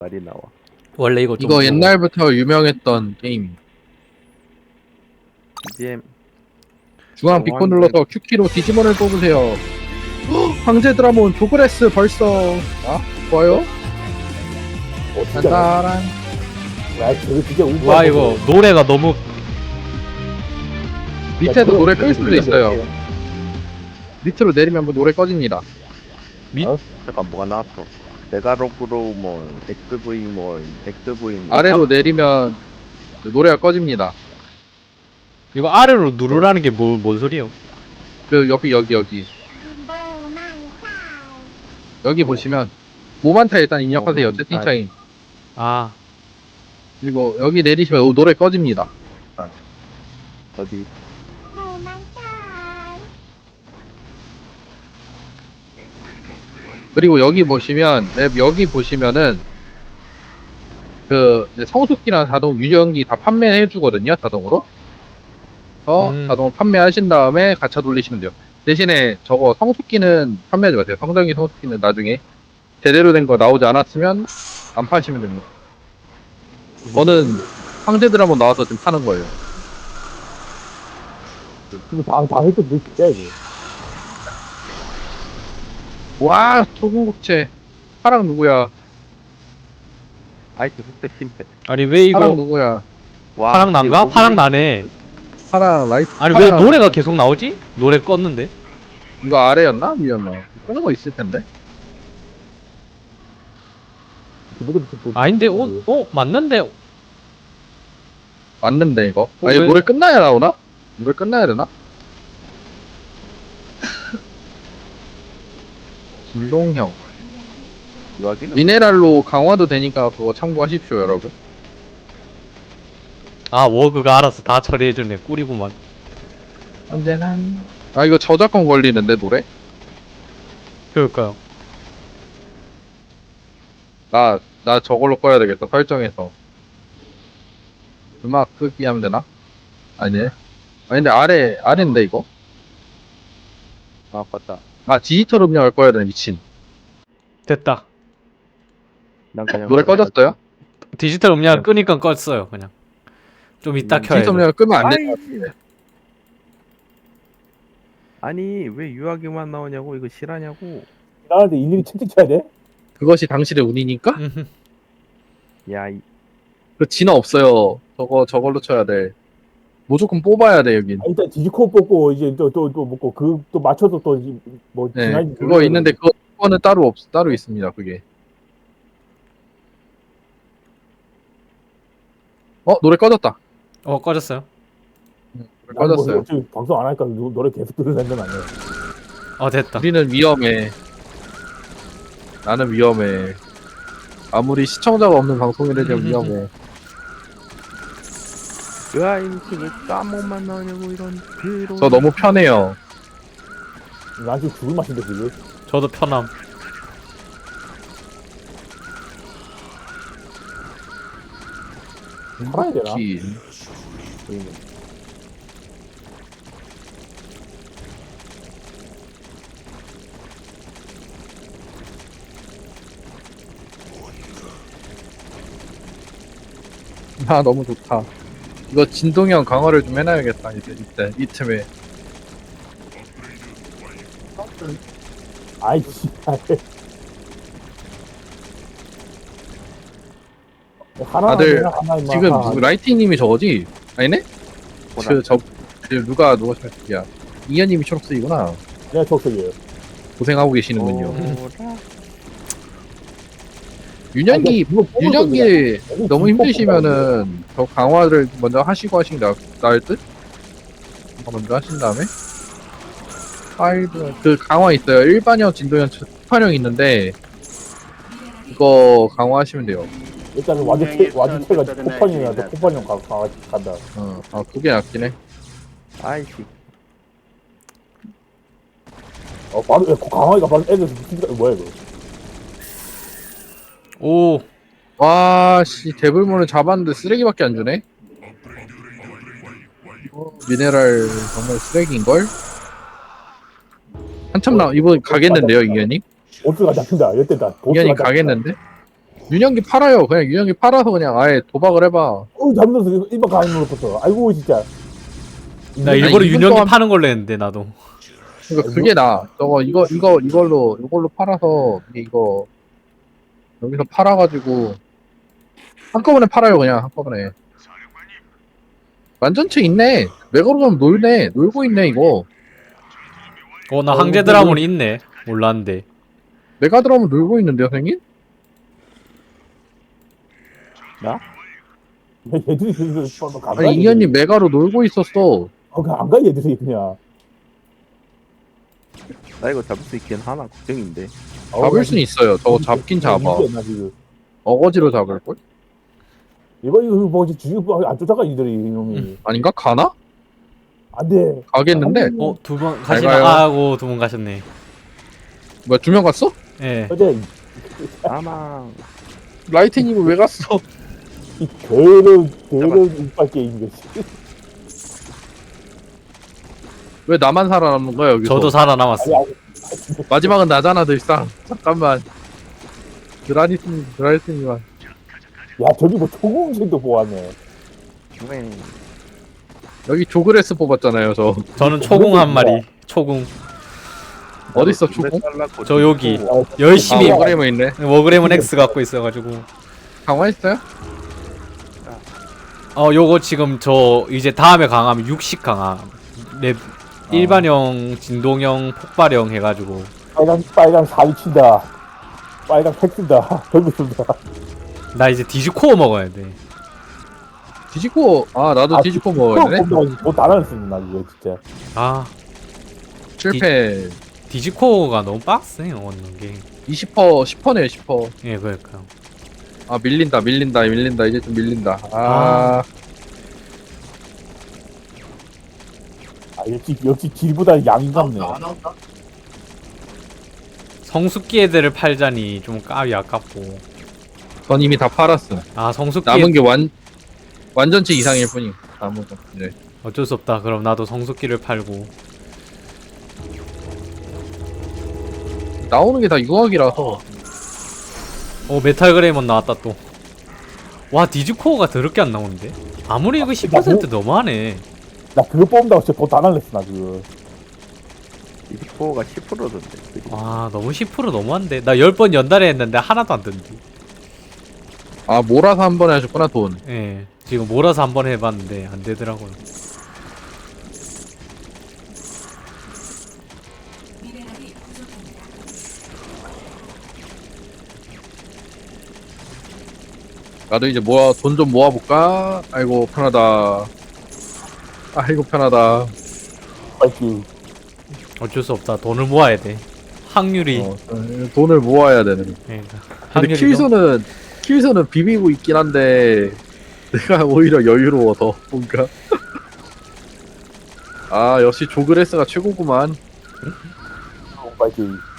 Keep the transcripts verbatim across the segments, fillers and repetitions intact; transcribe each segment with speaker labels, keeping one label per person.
Speaker 1: 말이 나와.
Speaker 2: 원래 이거 좀
Speaker 3: 이거
Speaker 2: 무서워.
Speaker 3: 옛날부터 유명했던 게임.
Speaker 1: 비지엠
Speaker 3: 중앙 비코
Speaker 1: 왕자-
Speaker 3: 눌러서 Q키로 디지몬을 뽑으세요. 헉, 황제 드라몬 조그레스 벌써. 아, 좋아요.
Speaker 4: 어, 진짜.
Speaker 3: 딴따란.
Speaker 4: 야, 저거 진짜 울고.
Speaker 2: 와 이거 노래가 너무
Speaker 3: 밑에도 노래 끌 수도 있어요. 밑으로 내리면 한번 노래 꺼집니다.
Speaker 2: 밑
Speaker 1: 잠깐 뭐가 나왔어. 메가로그로 뭐 엑스브이 뭐 엑스브이 뭐
Speaker 3: 아래로 내리면 노래가 꺼집니다.
Speaker 2: 이거 아래로 누르라는 게 뭐 뭔 소리예요?
Speaker 3: 그 여기 여기 여기 여기 보시면 모만타 일단 입력하세요.
Speaker 1: 어,
Speaker 3: 채팅창에.
Speaker 2: 아
Speaker 3: 그리고 여기 내리시면 노래 꺼집니다.
Speaker 1: 어디
Speaker 3: 그리고 여기 보시면 맵 여기 보시면은 그 이제 성숙기랑 자동 유령기 다 판매해 주거든요. 자동으로. 어
Speaker 2: 음.
Speaker 3: 자동 판매하신 다음에 가차 돌리시면 돼요. 대신에 저거 성숙기는 판매하지 마세요. 성장기 성숙기는 나중에 제대로 된 거 나오지 않았으면 안 파시면 됩니다. 저는 황제들 한번 나와서 지금 파는 거예요.
Speaker 4: 지금 다, 다 했던 데 진짜, 이거.
Speaker 3: 와 초궁국채 파랑 누구야?
Speaker 1: 아이티 흑대 심패.
Speaker 2: 아니 왜
Speaker 3: 파랑
Speaker 2: 이거
Speaker 3: 누구야?
Speaker 1: 와
Speaker 2: 파랑 난가? 파랑 나네.
Speaker 3: 파랑 라이트.
Speaker 2: 아니 왜
Speaker 3: 파랑-
Speaker 2: 노래가 계속 나오지? 노래 껐는데?
Speaker 3: 이거 아래였나? 위였나? 그런 거 있을 텐데.
Speaker 4: 누구도 또-
Speaker 2: 아닌데 어? 어? 맞는데?
Speaker 3: 맞는데 이거.
Speaker 2: 어,
Speaker 3: 아니
Speaker 2: 왜?
Speaker 3: 노래 끝나야 나오나? 노래 끝나야 되나? 김동형
Speaker 1: 유아기는
Speaker 3: 미네랄로 강화도 되니까 그거 참고하십시오 여러분.
Speaker 2: 아 워그가 알아서 다 처리해주네. 꿀이구만.
Speaker 3: 언제나. 아 이거 저작권 걸리는데 노래?
Speaker 2: 그럴까요?
Speaker 3: 나 나 저걸로 꺼야 되겠다 설정해서. 음악 끄기 하면 되나? 아니네. 아 근데 아래 아래인데 이거?
Speaker 1: 아 맞다.
Speaker 3: 아 디지털 음량을 꺼야 되네 미친.
Speaker 2: 됐다.
Speaker 1: 난 그냥
Speaker 3: 노래 꺼졌어요?
Speaker 2: 디지털 음량 끄니까 껐어요 그냥. 좀 이따 켜야
Speaker 3: 디지털
Speaker 2: 돼.
Speaker 3: 음량을 끄면 안 돼.
Speaker 1: 아이, 아니 왜 유아기만 나오냐고 이거 실하냐고.
Speaker 4: 나한테 일일이 채팅 쳐야 돼?
Speaker 3: 그것이 당신의 운이니까?
Speaker 2: 음흠.
Speaker 1: 야 이,
Speaker 3: 그 진화 없어요. 저거 저걸로 쳐야 돼. 무조건 뽑아야 돼 여긴.
Speaker 4: 아, 일단 디지코 뽑고, 이제 또, 또, 또, 먹고, 그, 또 맞춰서 또, 이- 뭐,
Speaker 3: 네,
Speaker 4: 지나지-
Speaker 3: 그거 있는데 그거 그거는 따로 없 따로 있습니다. 그게. 어 노래 꺼졌다.
Speaker 2: 어 꺼졌어요?
Speaker 3: 노래
Speaker 4: 나는 뭐,
Speaker 3: 꺼졌어요.
Speaker 4: 어차피 방송 안 하니까 노- 노래 계속 들으려는 건 아니야.
Speaker 2: 어 됐다.
Speaker 3: 우리는 위험해. 나는 위험해. 아무리 시청자가 없는 방송이라도 위험해.
Speaker 1: 유아인치 왜 까먹만 나오냐고 이런 그런.
Speaker 3: 저 너무 편해요.
Speaker 4: 난 지금 죽을 맛인데, 지금.
Speaker 2: 저도 편함.
Speaker 4: 살아야 되나?
Speaker 3: 기- 아 너무 좋다. 이거 진동형 강화를 좀 해놔야겠다 이제 이때 이 틈에.
Speaker 4: 아이, 씨발. 하나,
Speaker 3: 다들
Speaker 4: 하나, 하나, 임마.
Speaker 3: 지금
Speaker 4: 하나.
Speaker 3: 누구 라이팅님이 저거지? 아니네?
Speaker 1: 보라.
Speaker 3: 그저 그 누가 누가 초록색이야? 이현님이 초록색이구나.
Speaker 4: 내가 초록색이에요.
Speaker 3: 고생하고 계시는군요.
Speaker 1: 보라.
Speaker 3: 윤현기
Speaker 4: 아, 이거 뽑을
Speaker 3: 윤현기
Speaker 4: 거야.
Speaker 3: 너무
Speaker 4: 이거
Speaker 3: 힘드시면은 저 강화를 먼저 하시고 하신 게 나- 나을 듯? 강화 먼저 하신 다음에 파일드 그 강화 있어요. 일반형, 진도형, 특판형 있는데 이거 강화하시면 돼요.
Speaker 4: 일단은 와주체, 와주체가 코판형이라서 코판형 가, 가, 간다.
Speaker 3: 어, 아 그게 낫긴 해.
Speaker 1: 아이씨.
Speaker 4: 어, 바로, 야, 강화이가 바로 애들, 뭐야, 이거.
Speaker 2: 오
Speaker 3: 와, 씨, 데블몬을 잡았는데 쓰레기밖에 안 주네? 어, 미네랄 정말 쓰레기인걸? 한참 나, 이번 가겠는데요, 이현님?
Speaker 4: 보스가 잡힌다. 이때다. 보스가
Speaker 3: 이현님
Speaker 4: 잡힌다.
Speaker 3: 가겠는데? 윤영기 팔아요. 그냥 윤영기 팔아서 그냥 아예 도박을 해봐.
Speaker 4: 어, 잠들어서 일박 가는 걸었어. 아이고, 진짜.
Speaker 2: 나 일부러
Speaker 3: 이분
Speaker 2: 윤영기
Speaker 3: 또한-
Speaker 2: 파는 걸로 했는데 나도.
Speaker 3: 그러니까 그게 나. 저거 이거 이거 이걸로 이걸로 팔아서 이거 여기서 팔아가지고 한꺼번에 팔아요. 그냥 한꺼번에. 완전체 있네. 메가로돔 놀네. 놀고 있네 이거.
Speaker 2: 어 나
Speaker 3: 어,
Speaker 2: 항제
Speaker 3: 뭐,
Speaker 2: 드라몬이 있네. 몰랐는데.
Speaker 3: 메가드럼은 놀고 있는데요, 선생님?
Speaker 1: 나?
Speaker 4: 얘들이 그래서 뭐 가.
Speaker 3: 아니 이현님 메가로 놀고 있었어.
Speaker 4: 어, 그안 가, 얘들이 그냥.
Speaker 1: 나 이거 잡을 수 있긴 하나 걱정인데.
Speaker 3: 잡을 수는 있어요. 저거 잡긴 잡아.
Speaker 4: 나 지금.
Speaker 3: 어거지로 잡을걸?
Speaker 4: 이거, 이거 뭐지, 주식 안 쫓아가, 이들이, 이놈이.
Speaker 3: 아닌가? 가나?
Speaker 4: 안 돼.
Speaker 3: 가겠는데?
Speaker 2: 어 두 번
Speaker 3: 잘
Speaker 2: 가시나?
Speaker 3: 가요.
Speaker 2: 아고 두 번 가셨네.
Speaker 3: 뭐야 두 명 갔어?
Speaker 2: 예.
Speaker 4: 어제,
Speaker 1: 사망.
Speaker 3: 라이트님은 왜 갔어?
Speaker 4: 이 더러운, 더러운 이빨 게임, 이것이.
Speaker 3: 왜 나만 살아남는 거야 여기서?
Speaker 2: 저도 살아남았어.
Speaker 4: 아니, 아니,
Speaker 3: 마지막은 나잖아 들상. 잠깐만. 드라니스님, 드라니스님만.
Speaker 4: 야, 저기 뭐 초공신도 보았네.
Speaker 1: 왜?
Speaker 3: 여기 조그레스 뽑았잖아요 저.
Speaker 2: 저는 초궁 한 마리. 초궁.
Speaker 3: 어딨어,
Speaker 1: 두 배
Speaker 3: 초고?
Speaker 1: 잘랐고
Speaker 2: 저 여기.
Speaker 4: 어,
Speaker 2: 열심히
Speaker 3: 아, 워그레이머 있네.
Speaker 2: 워그램은 X 갖고 있어가지고.
Speaker 3: 강화했어요?
Speaker 2: 어 요거 지금 저 이제 다음에 강하면 육십 강화. 랩 일반형, 진동형, 폭발형 해가지고.
Speaker 4: 빨간, 빨간 사위 친다. 빨간 팩 쓴다. 별거 쓴다.
Speaker 2: 나 이제 디지코어 먹어야 돼.
Speaker 3: 디지코, 아 나도
Speaker 4: 아,
Speaker 3: 디지코 먹어야 되네.
Speaker 4: 뭐다 나눴습니다, 나 이거 진짜.
Speaker 2: 아
Speaker 3: 실패.
Speaker 2: 디지코어가 너무 빡세 얻는 게.
Speaker 3: 이십 퍼센트, 십 퍼센트네요 십 퍼센트.
Speaker 2: 예 그러니까.
Speaker 3: 아 밀린다 밀린다 밀린다 이제 좀 밀린다. 아,
Speaker 2: 아.
Speaker 4: 아, 역시, 역시 질보다 양이 같네.
Speaker 2: 성숙기 애들을 팔자니 좀 까비 아깝고.
Speaker 3: 전 이미 다 팔았어.
Speaker 2: 아 성숙기
Speaker 3: 남은 게 완 완전체 이상일 뿐이. 남은 거. 네.
Speaker 2: 어쩔 수 없다. 그럼 나도 성숙기를 팔고.
Speaker 3: 나오는 게 다 유학이라서.
Speaker 2: 어 메탈 그레이먼 나왔다 또. 와 디지코어가 더럽게 안 나오는데? 아무리 이거 십 퍼센트 너무하네.
Speaker 4: 나 그거 뽑는다고 진짜 돈다 날렸어, 나 그거.
Speaker 1: 디스코어가 십 퍼센트던데.
Speaker 2: 와 너무 십 퍼센트 너무한데. 나 열 번 연달에 했는데 하나도 안 뜬디.
Speaker 3: 아 몰아서 한 번에 하셨구나 돈.
Speaker 2: 예. 지금 몰아서 한번 해봤는데 안 되더라고요.
Speaker 3: 나도 이제 모아 돈 좀 모아볼까? 아이고 편하다. 아이고 편하다.
Speaker 4: 빨리.
Speaker 2: 어쩔 수 없다. 돈을 모아야 돼. 확률이.
Speaker 3: 어, 돈을 모아야 되는.
Speaker 2: 그러니까.
Speaker 3: 근데
Speaker 2: 확률이
Speaker 3: 킬수는 킬수는 비비고 있긴 한데 내가 오히려 여유로워서 뭔가. 아 역시 조그레스가 최고구만.
Speaker 4: 빨리.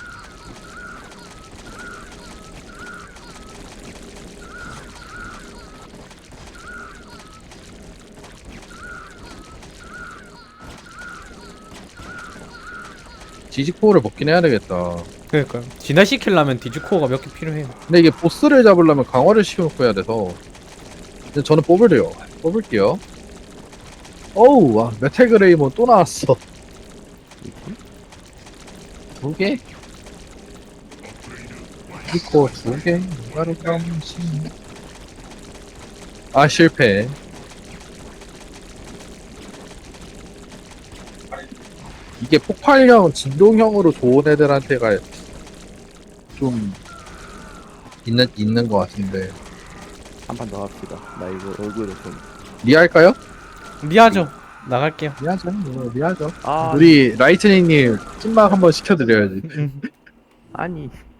Speaker 3: 디지코어를 먹긴 해야 되겠다.
Speaker 2: 너무- 그러니까요. 진화시키려면 디지코어가 몇 개 필요해요.
Speaker 3: 근데 이게 보스를 잡으려면 강화를 시켜놓고 해야 돼서. 근데 저는 뽑으래요. 뽑을게요. 어우, 와, 메탈그레이몬 또 나왔어. 두 개? 디지코어 두 개? 바로 감시. 아, 실패. 이게 폭발형, 진동형으로 좋은 애들한테가 좀 있는 있는 것 같은데.
Speaker 1: 한 판 더 합시다. 나 이거 얼굴에 좀.
Speaker 3: 리할까요?
Speaker 2: 리하죠. 나갈게요.
Speaker 3: 리하죠. 뭐, 리하죠.
Speaker 1: 아
Speaker 3: 우리 라이트닝님 찐막 한번 시켜드려야지.
Speaker 1: 아니